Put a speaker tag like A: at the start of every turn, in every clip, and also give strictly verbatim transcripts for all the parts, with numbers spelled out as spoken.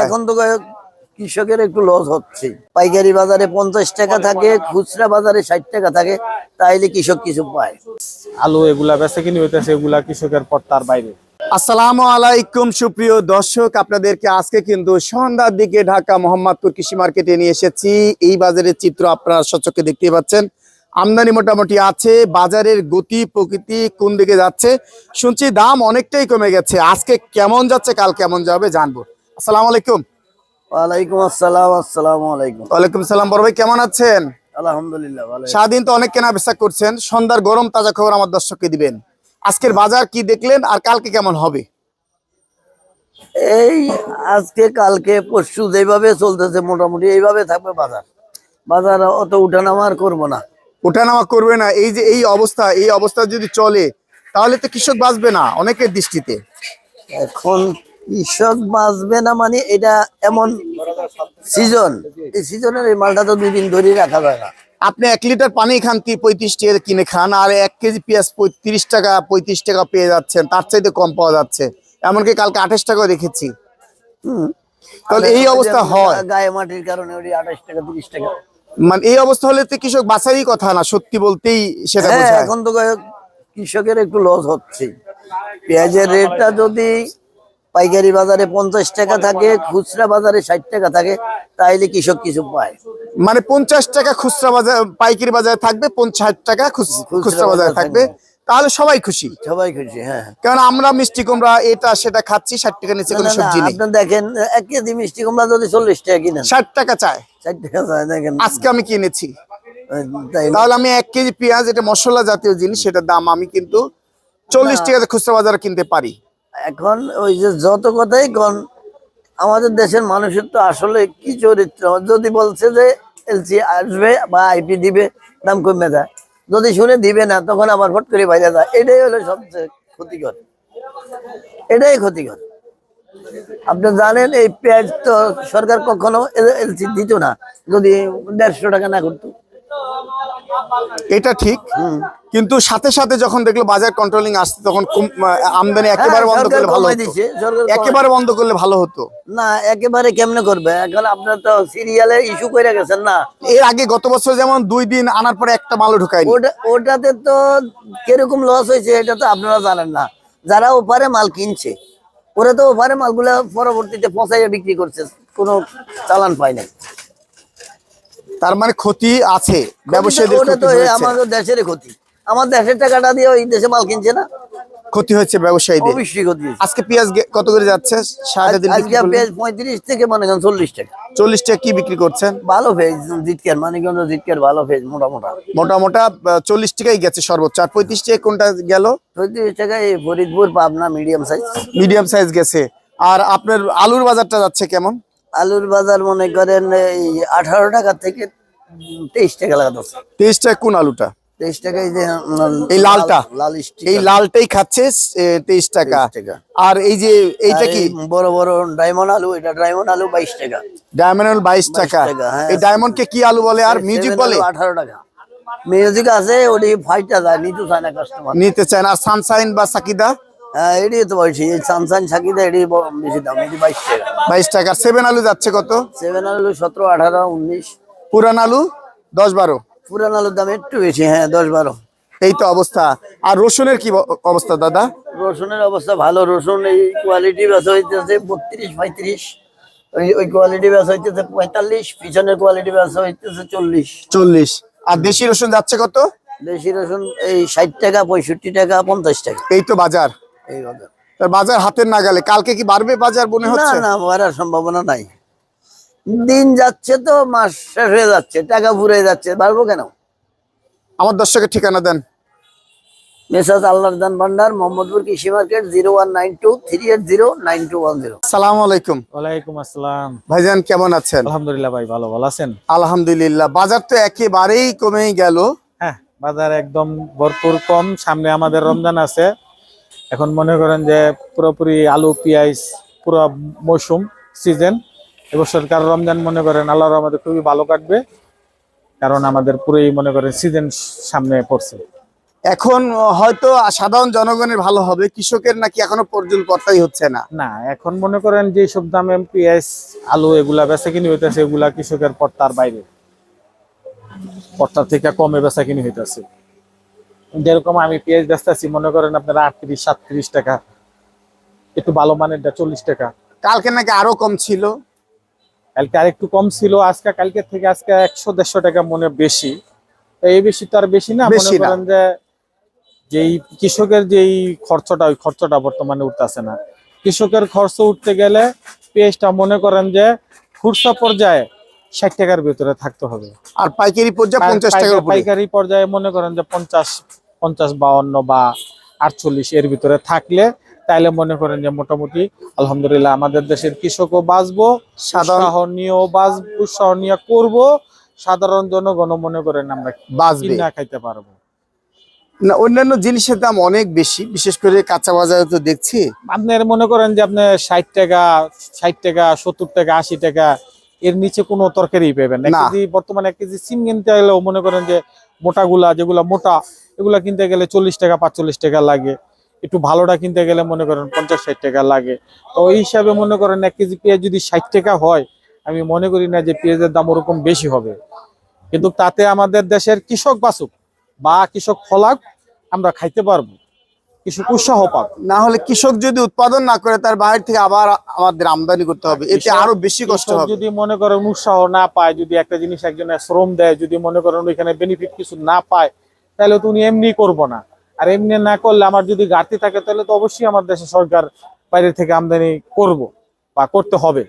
A: এখন তো কৃষকের একটু লস হচ্ছে। পাইকারি বাজারে পঞ্চাশ টাকা থাকে, খুচরা বাজারে ষাট টাকা থাকে, তাইলে কৃষক কিছু পায়।
B: আলু এগুলা বেচে কিনে হইতেছে, এগুলা কৃষকের পর্তার বাইরে।
C: আসসালামু আলাইকুম সুপ্রিয় দর্শক, আপনাদেরকে আজকে কিন্তু সন্ধ্যার দিকে ঢাকা মোহাম্মদপুর কৃষি মার্কেটে নিয়ে এসেছি। এই বাজারের চিত্র আপনারা সচক্ষে দেখতে পাচ্ছেন। আমদানি মোটামুটি আছে, বাজারের গতি প্রকৃতি কোন দিকে যাচ্ছে শুনছি দাম অনেকটাই কমে গেছে। আজকে কেমন যাচ্ছে, কাল কেমন যাবে জানবো। আসসালামু আলাইকুম।
A: ওয়ালাইকুম আসসালাম। আসসালামু আলাইকুম।
C: ওয়ালাইকুম সালাম। বড় ভাই কেমন আছেন?
A: আলহামদুলিল্লাহ ভালো।
C: সারাদিন তো অনেক কেনা বেচা করছেন, সন্ধ্যার গরম তাজা খবর আমার দর্শককে দিবেন। আজকের বাজার কি দেখলেন আর কালকে কেমন হবে?
A: এই আজকে কালকে পরশু যেভাবে চলতেছে মোটামুটি এইভাবে থাকবে বাজার। বাজার অত উঠানামা আর করবো না।
C: ওঠানামা করবে না। এই যে এই অবস্থা, এই অবস্থা যদি চলে তাহলে তো কৃষক বাঁচবে না অনেকের দৃষ্টিতে।
A: এখন কৃষক বাঁচবে না মানে এটা এমন সিজন, এই সিজনের এই মালটা তো দুই দিন ধরে রাখা যায় না।
C: আপনি এক লিটার পানি খান কি পঁয়ত্রিশ টাকা কিনে খান, আর এক কেজি পেঁয়াজ পঁয়ত্রিশ টাকা পঁয়ত্রিশ টাকা পেয়ে যাচ্ছেন, তার চাইতে কম পাওয়া যাচ্ছে। এমনকি কালকে আঠাশ টাকা দেখেছি।
A: হম
C: তাহলে এই অবস্থা হয়
A: গায়ে মাটির কারণে ওই আঠাশ টাকা তিরিশ টাকা।
C: মানে এই অবস্থা হলে তো কৃষক বাঁচারই কথা না, সত্যি বলতেই সেটা
A: হ্যাঁ,
C: বোঝায়।
A: এখন তো কৃষকের একটু লস হচ্ছে। পেঁয়াজের রেটটা যদি পাইকারি বাজারে পঞ্চাশ টাকা থাকে, খুচরা বাজারে ষাট টাকা থাকে, তাইলে কৃষক কিছু পায়।
C: মানে পঞ্চাশ টাকা খুচরা বাজার পাইকারি বাজারে থাকবে, পঞ্চাশ টাকা খুচরা বাজারে থাকবে, তাহলে সবাই খুশি।
A: সবাই খুশি, হ্যাঁ।
C: কারণ আমরা মিষ্টি কুমড়া এটা সেটা খাচ্ছি, ষাট টাকা নিচে কোনো সবজি নেই।
A: আপনি দেখেন এক কেজি মিষ্টি কুমড়া যদি চল্লিশ টাকা কিনেন,
C: ষাট টাকা চায়।
A: ষাট টাকা চায়, দেখেন
C: আজকে আমি কিনেছি,
A: তাই
C: তাহলে আমি এক কেজি পেঁয়াজ, এটা মশলা জাতীয় জিনিস, সেটার দাম আমি কিন্তু চল্লিশ টাকাতে খুচরা বাজারে কিনতে পারি।
A: এখন ওই যে যত কথাই কন, আমাদের দেশের মানুষের তো আসলে কি চরিত্র, যদি বলছে যে এলসি আসবে বা আইপি দিবে, দাম কমে যায়। যদি শুনে দিবে না, তখন আবার ফট করে বাইরে যায়। এটাই হলো সবচেয়ে ক্ষতিকর, এটাই ক্ষতিকর। আপনি জানেন এই পেঁয়াজ তো সরকার কখনো এলসি দিত না যদি দেড়শো টাকা না করতো।
C: এটা ঠিক, কিন্তু সাথে সাথে যখন দেখলো বাজার কন্ট্রোলিং আসছে, তখন আমদানি একেবারে বন্ধ করলে ভালো হতো। একেবারে বন্ধ করলে ভালো হতো
A: না। একেবারে কেমনে করবে? এখন আপনার তো সিরিয়ালে ইস্যু করে গেছেন না।
C: এর আগে গত বছর যেমন দুই দিন আনার পরে একটা মালও ঢুকায়নি।
A: ওটা ওটাতে তো কিরকম লস হয়েছে এটা তো আপনারা জানেন না। যারা ওপারে মাল কিনছে, ওরা তো ওপারে মালগুলা পরবর্তীতে পচাইয়া বিক্রি করছে, কোনো চালান পায় না।
C: তার মানে ক্ষতি আছে ব্যবসায়ীদের।
A: ওটা তো আমাদের দেশের ক্ষতি। আমার দেশের টাকাটা দিয়ে ওই দেশে মাল কিনছে না,
C: ক্ষতি হচ্ছে ব্যবসায়ীদের।
A: অবশ্যই ক্ষতি।
C: আজকে পেঁয়াজ কত করে যাচ্ছে?
A: পেঁয়াজ পঁয়ত্রিশ থেকে মনে করেন চল্লিশ টাকা।
C: চল্লিশ টাকা কি বিক্রি করছেন?
A: ভালো ফেজ জিটকার, মানিকগঞ্জ জিটকার ভালো ফেজ, মোটা মোটা
C: মোটা মোটা চল্লিশ টাকাই গেছে সর্বোচ্চ। আর পঁয়ত্রিশ টাকা কোনটা গেল?
A: পঁয়ত্রিশ টাকা এই Faridpur Pabna medium size.
C: Medium size গেছে। আর আপনার আলুর বাজারটা যাচ্ছে কেমন?
A: আলুর বাজার মনে করেন এই আঠারো টাকা থেকে তেইশ টাকা লাগাচ্ছে।
C: তেইশ টাকা কোন আলুটা?
A: তেইশ টাকা এই যে
C: এই লালটা,
A: লাল
C: এই লালটাই খাচ্ছে তেইশ টাকা। আর এই যে এইটা কি
A: বড় বড় ডায়মন্ড আলু, এটা ডায়মন্ড আলু বাইশ টাকা।
C: ডায়মন্ড আলু বাইশ টাকা। এই ডায়মন্ড কে কি আলু বলে? আর মিউজিক বলে?
A: আঠারো টাকা মিউজিক আছে, ওটি ফাইটটা যায়, নিতে চায় না কাস্টমার,
C: নিতে চায় না। আর সানশাইন বা সাকিদা?
A: হ্যাঁ, এটি তো বলছি সানশাইন সাকিদা, এটি বেশি দাম, এটি বাইশ টাকা।
C: বাইশ টাকা। সেভেন আলু যাচ্ছে কত?
A: সেভেন আলু সতেরো আঠারো উনিশ।
C: পুরান আলু দশ বারো।
A: পুরান আলুর দাম একটু বেশি, হ্যাঁ দশ বারো।
C: এই তো অবস্থা। আর রসুনের কি অবস্থা দাদা?
A: রসুনের অবস্থা ভালো। রসুন এই কোয়ালিটি বেচা হইতেছে বত্রিশ পঁয়ত্রিশ, ওই ওই কোয়ালিটি বেচা হইতেছে পঁয়তাল্লিশ, পিছনের কোয়ালিটি বেচা হইতেছে চল্লিশ
C: চল্লিশ। আর দেশি রসুন যাচ্ছে কত?
A: দেশি রসুন এই ষাট টাকা পঁয়ষট্টি টাকা পঞ্চাশ টাকা।
C: এই তো বাজার।
A: এই বাজার,
C: তার বাজার হাতের নাগালে। কালকে কি বাড়বে বাজার মনে হচ্ছে?
A: না না, বাড়ার সম্ভাবনা নাই। দিন যাচ্ছে তো, মাস শেষ হয়ে যাচ্ছে, টাকা ফুরে যাচ্ছে, বাড়বো কেন?
C: আমার দর্শকের ঠিকানা দেন।
A: মেসাজ আল্লাহর দান ভান্ডার, মোহাম্মদপুর কৃষি market, zero one nine two three eight zero nine two one zero.
C: আসসালামু আলাইকুম।
B: ওয়ালাইকুম আসসালাম।
C: ভাইজান কেমন আছেন?
B: আলহামদুলিল্লাহ ভাই, ভালো। ভালো আছেন?
C: আলহামদুলিল্লাহ। বাজার তো একেবারেই কমেই গেল।
B: হ্যাঁ, বাজার একদম ভরপুর কম। সামনে আমাদের রমজান আছে। এখন মনে করেন যে পুরোপুরি আলু পেঁয়াজ পুরো মৌসুম সিজন। এবছরকার রমজান মনে করেন আল্লাহর রহমতে খুবই ভালো কাটবে, কারণ আমাদের পুরোই মনে করেন সিজন সামনে পড়ছে।
C: এখন হয়তো সাধারণ জনগণের ভালো হবে, কৃষকের নাকি এখনো পর্যন্ত পড়তাই হচ্ছে না।
B: না, এখন মনে করেন যে সব দামে পেঁয়াজ আলু এগুলা বেচা কিনি হইতেছে, এগুলা কৃষকের পড়তার বাইরে, পড়তার থেকে কমে বেচা কিনি হইতেছে। যেরকম আমি পেঁয়াজ বেচতেছি মনে করেন আপনার আটত্রিশ সাতত্রিশ টাকা, একটু ভালো মানেরটা চল্লিশ টাকা।
C: কালকে নাকি আরো কম ছিল।
B: কালকে আর একটু কম ছিল, আজকে কালকে থেকে আজকে একশো দেড়শো টাকা মনে বেশি। তো এই বেশি তো আর বেশি না, মনে
C: বেশি না।
B: করেন যে যেই কৃষকের যেই খরচটা ওই খরচটা বর্তমানে উঠতেছে না। কৃষকের খরচ উঠতে গেলে পেঁয়াজটা মনে করেন যে খুচরা পর্যায়ে ষাট টাকার ভিতরে থাকতে হবে,
C: আর পাইকারি পর্যায়ে পঞ্চাশ টাকার উপরে।
B: পাইকারি পর্যায়ে মনে করেন যে পঞ্চাশ পঞ্চাশ বাউন্ন বা আটচল্লিশ এর ভিতরে থাকলে তাইলে মনে করেন যে মোটামুটি আলহামদুলিল্লাহ আমাদের দেশের কৃষকও বাঁচবো,
C: সাধারণ
B: উৎসাহনীয় বাঁচবো, উৎসাহনীয় করবো, সাধারণ জনগণ মনে করেন আমরা
C: বাঁচবে
B: কিনা খাইতে পারবো।
C: না, অন্যান্য জিনিসের দাম অনেক বেশি, বিশেষ করে কাঁচা বাজারে তো দেখছি।
B: আপনার মনে করেন যে আপনার ষাট টাকা ষাট টাকা সত্তর টাকা আশি টাকা এর নিচে কোনো তরকারি পাবেন না। এক
C: না।
B: কেজি বর্তমানে এক কেজি সিম কিনতে গেলেও মনে করেন যে মোটাগুলা যেগুলা মোটা এগুলা কিনতে গেলে চল্লিশ টাকা পাঁচচল্লিশ টাকা লাগে, একটু ভালোটা কিনতে গেলে মনে করেন পঞ্চাশ ষাট টাকা লাগে। তো ওই হিসাবে মনে করেন এক কেজি পেঁয়াজ যদি ষাট টাকা হয়, আমি মনে করি না যে পেঁয়াজের দাম ওরকম বেশি হবে। কিন্তু তাতে আমাদের দেশের কৃষক বাঁচুক বা কৃষক ফলাক, আমরা খাইতে পারবো, কৃষক উৎসাহ পাব।
C: না হলে কৃষক যদি উৎপাদন না করে তার বাইরে থেকে আবার আমাদের আমদানি করতে হবে, এতে
B: কৃষক-
C: আরো বেশি কষ্ট
B: কৃষক
C: হবে।
B: যদি মনে করেন উৎসাহ না পায়, যদি একটা জিনিস একজনের শ্রম দেয়, যদি মনে করেন ওইখানে বেনিফিট কিছু না পায়, তাহলে তো উনি এমনি করবো না। আর এমনি না করলে আমার যদি ঘাটতি থাকে তাহলে তো অবশ্যই আমার দেশে সরকার বাইরে থেকে আমদানি করব বা করতে হবে।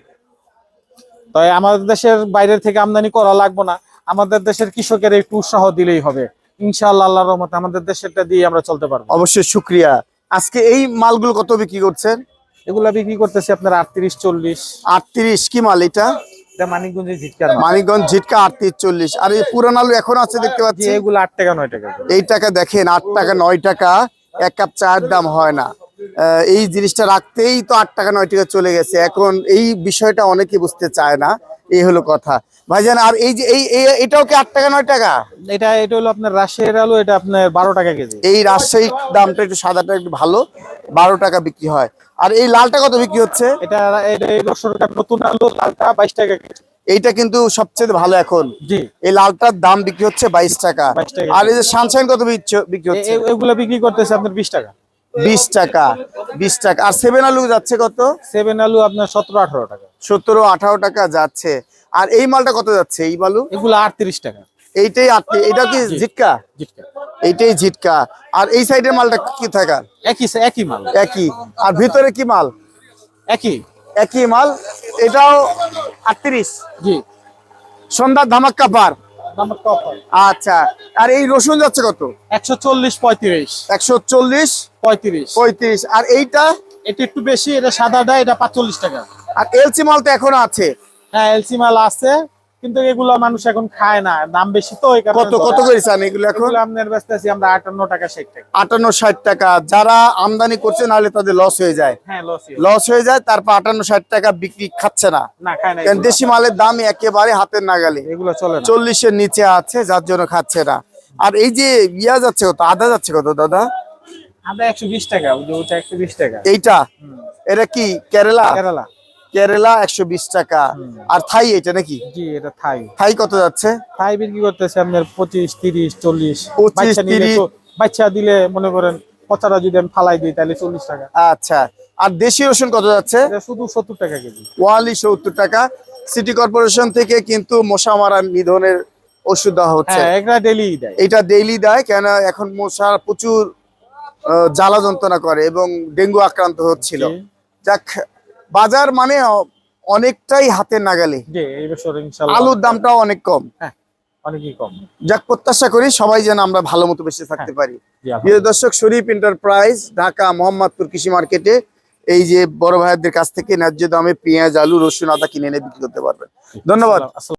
B: তাই আমাদের দেশের বাইরের থেকে আমদানি করা লাগবে না, আমাদের দেশের কৃষকের একটু উৎসাহ দিলেই হবে। ইনশাআল্লাহ আল্লাহর রহমতে আমাদের দেশেরটা দিয়ে আমরা চলতে পারবো।
C: অবশ্যই শুক্রিয়া। আজকে এই মালগুলো কত বিক্রি করছেন?
B: এগুলা বিক্রি করতেছি আপনার আটত্রিশ চল্লিশ।
C: আটত্রিশ কি মাল এটা?
B: এটা মানিকগঞ্জের ঝিটকার মাল।
C: মানিকগঞ্জ ঝিটকা আটত্রিশ চল্লিশ। আর এই পুরান আলু এখন আছে দেখতে
B: জি,
C: পাচ্ছি।
B: এগুলো আট টাকা নয় টাকা করে।
C: এই টাকা দেখেন, আট টাকা নয় টাকা এক কাপ চায়ের দাম হয় না। আহ, এই জিনিসটা রাখতেই তো আট টাকা নয় টাকা চলে গেছে। এখন এই বিষয়টা অনেকে বুঝতে চায় না, এই হলো কথা ভাইজান। আর এই যে এই এই- এটাও কি আট টাকা নয় টাকা?
B: এটা এটা হলো আপনার রাজশাহীর আলু, এটা আপনার বারো টাকা কেজি।
C: এই রাজশাহী দামটা একটু সাদাটা একটু ভালো, বারো টাকা বিক্রি হয়। আর এই লালটা কত বিক্রি হচ্ছে?
B: এটা এটা এই বছরকার নতুন আলু, লালটা বাইশ টাকা কেজি।
C: এইটা কিন্তু সবচেয়ে ভালো এখন।
B: জি,
C: এই লালটার দাম বিক্রি হচ্ছে বাইশ টাকা।
B: বাইশ টাকা।
C: আর এই যে সানশাইন কত বিচ্ছ- বিক্রি
B: এ-
C: হচ্ছে?
B: এ- এগুলা বিক্রি করতেছে আপনার বিশ টাকা।
C: বিশ টাকা বিশ টাকা। আর সেভেন আলু যাচ্ছে কত?
B: সেভেন আলু আপনার সতেরো আঠারো টাকা।
C: সতেরো আঠারো টাকা যাচ্ছে। আর এই মালটা কত যাচ্ছে এই মালু?
B: এগুলো আটত্রিশ টাকা।
C: এইটাই আটটি। এটা কি
B: জি।
C: ঝিটকা?
B: জিটকা
C: এইটাই ঝিটকা। আর এই সাইডের মালটা কি থাকার?
B: একই একই মাল।
C: একই। আর ভিতরে কি মাল?
B: একই।
C: একই মাল। এটাও আটত্রিশ।
B: জি,
C: সন্ধ্যার ধামাক্কা পার।
B: নাম্বার কত?
C: আচ্ছা। আর এই রসুন যাচ্ছে কত?
B: একশো চল্লিশ পঁয়ত্রিশ।
C: একশো চল্লিশ
B: পঁয়ত্রিশ।
C: পঁয়ত্রিশ। আর এইটা?
B: এটা একটু বেশি, এটা সাদাটা, এটা পাঁচচল্লিশ টাকা।
C: আর এলসি মাল তো এখনো আছে।
B: হ্যাঁ, এলসি মাল আছে, কিন্তু এগুলো মানুষ এখন খায় না, দাম বেশি তো এই কারণে।
C: কত কত করে চান এগুলো এখন?
B: এগুলো আপনার বেচতেছি আমরা আটান্ন টাকা ষাট টাকা।
C: আটান্ন ষাট টাকা। যারা আমদানি করছে নাহলে তাদের লস হয়ে যায়,
B: হ্যাঁ, লস
C: লস হয়ে যায়। তারপর আটান্ন ষাট টাকা বিক্রি খাচ্ছে না,
B: না, খায় না
C: কারণ
B: এগুলো।
C: দেশি মালের দাম একেবারে হাতের নাগালে।
B: এগুলো চলে না।
C: চল্লিশের নিচে আছে, যার জন্য খাচ্ছে না। আর এই যে ইয়া যাচ্ছে কত, আদা যাচ্ছে কত দাদা?
B: আদা একশো বিশ টাকা, ওই যে ওটা একশো বিশ টাকা।
C: এইটা এটা কি কেরালা?
B: কেরালা।
C: কেরালা একশো বিশ টাকা। আর থাই এটা নাকি?
B: জি, এটা থাই।
C: থাই কত যাচ্ছে?
B: থাই বিক্রি করতেছে আপনার পঁচিশ তিরিশ চল্লিশ।
C: পঁচিশ,
B: বাচ্চা নিলে
C: তিরিশ।
B: তো- বাচ্চা দিলে মনে করেন পচাটা যদি আমি ফালাই দিই তাহলে চল্লিশ টাকা।
C: আচ্ছা। আর দেশি রসুন কত যাচ্ছে?
B: এটা শুধু সত্তর টাকা কেজি।
C: ওয়ালি সত্তর টাকা। সিটি কর্পোরেশন থেকে কিন্তু মশা মারা নিধনের ওষুধ দেওয়া হচ্ছে।
B: হ্যাঁ, এটা ডেলি দেয়।
C: এটা ডেইলি দেয়, কেন এখন মশা প্রচুর আহ, জ্বালা যন্ত্রণা করে এবং ডেঙ্গু আক্রান্ত হচ্ছিল।
B: জি।
C: যাক, বাজার মানে অ- অনেকটাই হাতের নাগালে।
B: জি, এই বছর ইনশাআল্লাহ
C: আলুর দামটাও অনেক কম।
B: হ্যাঁ, অনেকই কম।
C: যাক, প্রত্যাশা করি সবাই যেন আমরা ভালো মতো বেঁচে থাকতে পারি।
B: জি,
C: প্রিয় দর্শক, শরীফ এন্টারপ্রাইজ, ঢাকা মোহাম্মদপুর কৃষি মার্কেটে এই যে বড় ভাইদের কাছ থেকে ন্যায্য দামে পেঁয়াজ আলু রসুন আদা কিনে এনে বিক্রি করতে পারবেন। ধন্যবাদ।
B: আলহামদুলিল্লাহ।